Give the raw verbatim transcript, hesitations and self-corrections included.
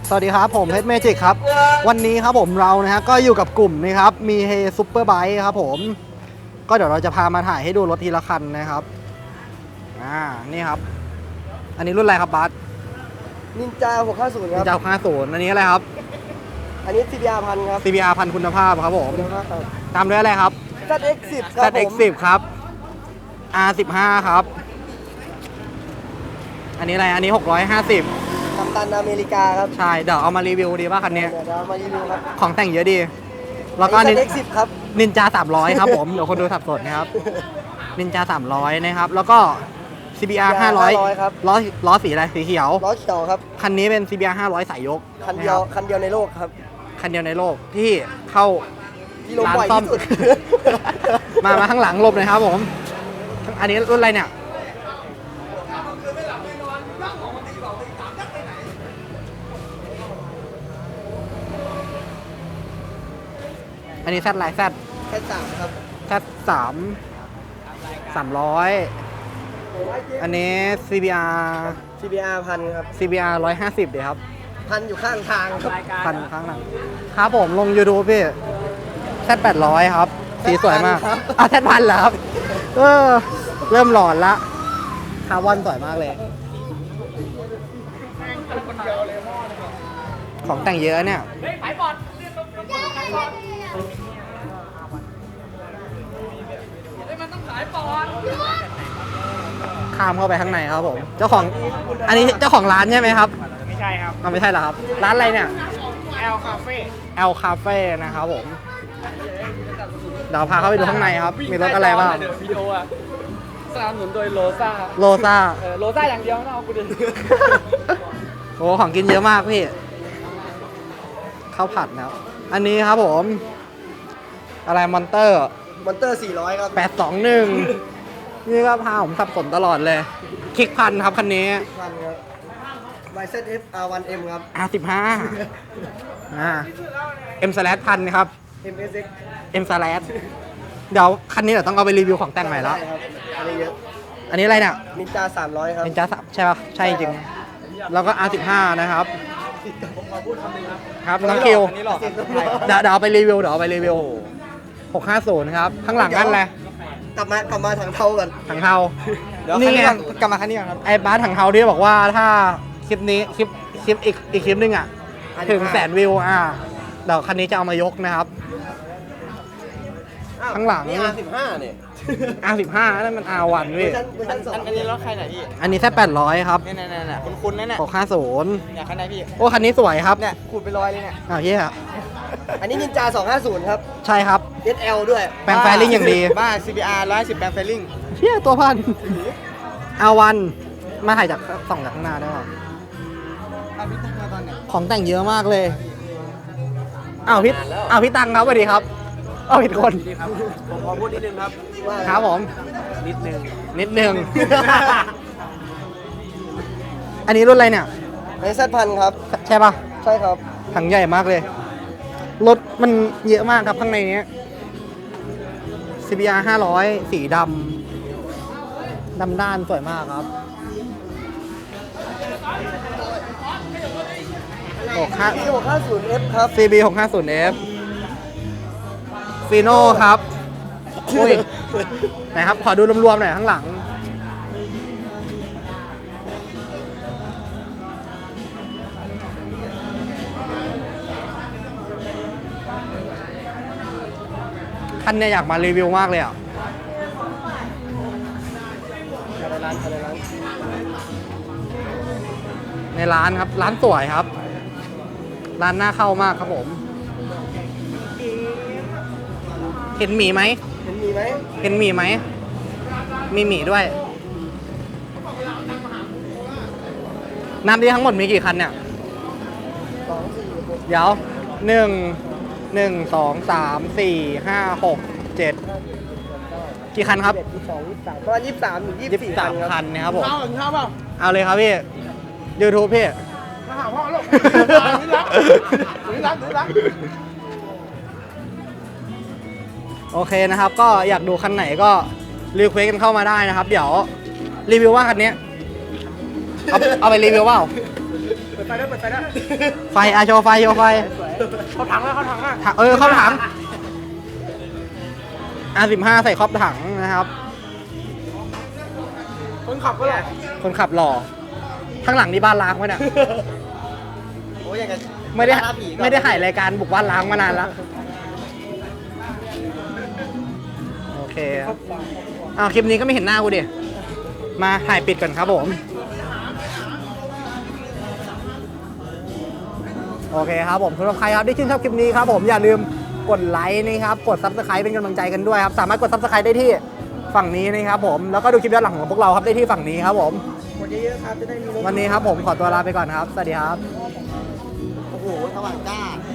สวัสดีครับผมเพชรเมจิกครับวันนี้ครับผมเรานะฮะก็อยู่กับกลุ่มนี้ครับมีเฮซุปเปอร์ไบค์ครับผมก็เดี๋ยวเราจะพามาถ่ายให้ดูรถทีละคันนะครับอ่านี่ครับอันนี้รุ่นอะไรครับบัสนินจาหกห้าศูนย์ครับนินจาหกห้าศูนย์อันนี้อะไรครับอันนี้ ซี บี อาร์ พันครับซี บี อาร์ พันคุณภาพครับผมคุณภาพครับตามด้วยอะไรครับแซด เอ็กซ์ สิบ ครับแซด เอ็กซ์ สิบ ครับ อาร์ สิบห้า ครับอันนี้อะไรอันนี้หกร้อยห้าสิบกัปตันอเมริกาครับใช่เดี๋ยวเอามารีวิวดีป่ะคันนี้เดี๋ยวเรามารีวิวครับของแต่งเยอะดีแล้วก็แซด เอ็กซ์ สิบ ครับนินจาสามร้อยครับผมเดี๋ยวคนดูสับสนนะครับนินจาสามร้อยนะครับแล้วก็ ซี บี อาร์ ห้าร้อยครับล้อล้อสีอะไรสีเขียวล้อเขียวครับคันนี้เป็น ซี บี อาร์ ห้าร้อยสายยกคันเดียวคันเดียวในโลกครับคันเดียวในโลกที่เข้าที่ลงบ่อยที่สุดมามาข้างหลังหลบหน่อยครับผมอันนี้รุ่นอะไรเนี่ยอันนี้แซดไลน์แซดแค่สามครับแซดสามสามร้อยอันนี้ ซี บี อาร์ซี บี อาร์ พันครับซี บี อาร์ ร้อยห้าสิบเดี๋ยวครับพันอยู่ข้างทางครับพันข้างหลังครับผมลง YouTube พี่แซดแปดร้อยครับสีสวยมากอ่ะแซดพันเหรอครับเออเริ่มหลอนละคาร์บอนสวยมากเลยของแต่งเยอะเนี่ยข้ามเข้าไปข้างในครับผมเจ้าของอันนี้เจ้าของร้านใช่ไหมครับไม่ใช่ครับไม่ใช่เหรอครับร้านอะไรเนี่ย L Cafe L Cafe นะครับผมเดี๋ยวพาเข้าไปดูข้างในครับมีรถอะไรบ้างวิดีโออะสนับสนุนโดยโลซ่าโลซ่าเออโลซ่าอย่างเดียวไม่เอากูดิโอ้ของกินเยอะมากพี่ข้าวผัดนะครับอันนี้ครับผมอะไรมอนเตอร์มอนเตอร์สี่ร้อยครับแปดสองหนึ่งนี่ก็พาผมสับสนตลอดเลยคลิกพันครับคันนี้พันครับ วาย แซด เอฟ อาร์ วัน เอ็ม ครับอาร์ สิบห้า อ่า M slash พันครับเอ็ม เอส เอ็กซ์ M slash เดี๋ยวคันนี้เดี๋ยวต้องเอาไปรีวิวของแต่งใหม่แล้วอันนี้เยอะอันนี้อะไรเนี่ยนินจาสามร้อยครับนินจาสามใช่ป่ะใช่จริงแล้วก็ อาร์ สิบห้า นะครับครับน้องคิวเดี๋ยวเดี๋ยวเอาไปรีวิวเดี๋ยวเอาไปรีวิวหกห้าศูนย์ครับข้างหลังนั่นแหละกลับมากลับมาถังเทากันถังเทานี่ไงกลับมาคันนี้ครับไอ้บ้าถังเทาที่บอกว่าถ้าคลิปนี้คลิปคลิปอีกอีกคลิปนึงอ่ะถึงแสนวิวอ่ะเดี๋ยวคันนี้จะเอามายกนะครับข้างหลังนี่ อาร์ สิบห้า เนี่ยอาร์ สิบห้า นั่นมัน อาร์ วัน พี่อันนี้รถใครไหนพี่อันนี้แค่แปดร้อยครับนี่นี่นี่คุณคุณนั่นแหละหกห้าศูนย์เนี่ยคันไหนพี่โอ้คันนี้สวยครับเนี่ยขูดไปร้อยเลยเนี่ยอ้าวเฮียอันนี้นินจาสองห้าศูนย์ครับใช่ครับเอส แอล ด้วยแปลงไฟลิ่งอย่างดีบ้า ซี บี อาร์ ร้อยสิบแปลงไฟลิ่งเฮียตัวพัน อาร์ วัน มาถ่ายจากส่องจากข้างหน้าได้ป่ะของแต่งเยอะมากเลยอ้าวพี่อ้าวพี่ตังครับสวัสดีครับอ้าวผิดคนผมขอพูดนิดนึงครับครับผมนิดนึงนิดนึง อันนี้รุ่นอะไรเนี่ยไอแซดพันครับใช่ป่ะใช่ครับถังใหญ่มากเลยรถมันเยอะมากครับข้างในนี้ ซี บี อาร์ ห้าร้อยสีดำดำด้านสวยมากครับหกห้าศูนย์ เอฟ ครับซี บี หกห้าศูนย์ เอฟ ฟีโน่ครับอุ้ยไหนครับขอดูรวมๆหน่อยข้างหลังคันเนี่ยอยากมารีวิวมากเลยอ่ะในร้านครับร้านสวยครับร้านน่าเข้ามากครับผมเห็นหมีไหมเห็นหมีไหมเห็นหมีไหมมีหมีด้วยน้ำที่ทั้งหมดมีกี่คันเนี่ยสองสี่หกเดี๋ยวหนึ่งหนึ่งสองสามสี่ห้าหกเจ็ดกี่คันครับยี่สิบสองยี่สิบสามประมาณยี่สิบสามถึงยี่สิบสี่คันคันนะครับผมข้าวข้าวเปล่าเอาเลยครับพี่ YouTube พี่มาหาพ่อลูกนี่รักนี่รักนี่รักโอเคนะครับก็อยากดูคันไหนก็รีเควสกันเข้ามาได้นะครับเดี๋ยวรีวิวว่าคันนี้เอาเอาไปรีวิวเปล่าดไฟได้เปิดไฟได้ไฟอาโชว์ไฟโชว์ไฟเขาถังแล้วเขาถังอ่ะถังเออเข้าถังอาสิบห้าใส่ครอบถังนะครับคนขับก็หรอคนขับหล่อข้างหลังนี่บ้านล้างไว้เนี่ยโอ้ยอย่างกันไม่ได้ไม่ได้ถ่ายรายการบุกบ้านล้างมานานแล้วโอเคครับอ้าวคลิปนี้ก็ไม่เห็นหน้ากูดิมาถ่ายปิดก่อนครับผมโอเคครับผมสำหรับใครครับที่ชื่นชอบคลิปนี้ครับผมอย่าลืมกดไลค์นะครับกด ซับสไครบ์ เป็นกำลังใจกันด้วยครับสามารถกด ซับสไครบ์ ได้ที่ฝั่งนี้นะครับผมแล้วก็ดูคลิปย้อนหลังของพวกเราครับได้ที่ฝั่งนี้ครับผมกดเยอะๆครับจะได้มีรถวันนี้ครับผมขอตัวลาไปก่อนครับสวัสดีครับโอ้โหสว่างจ้า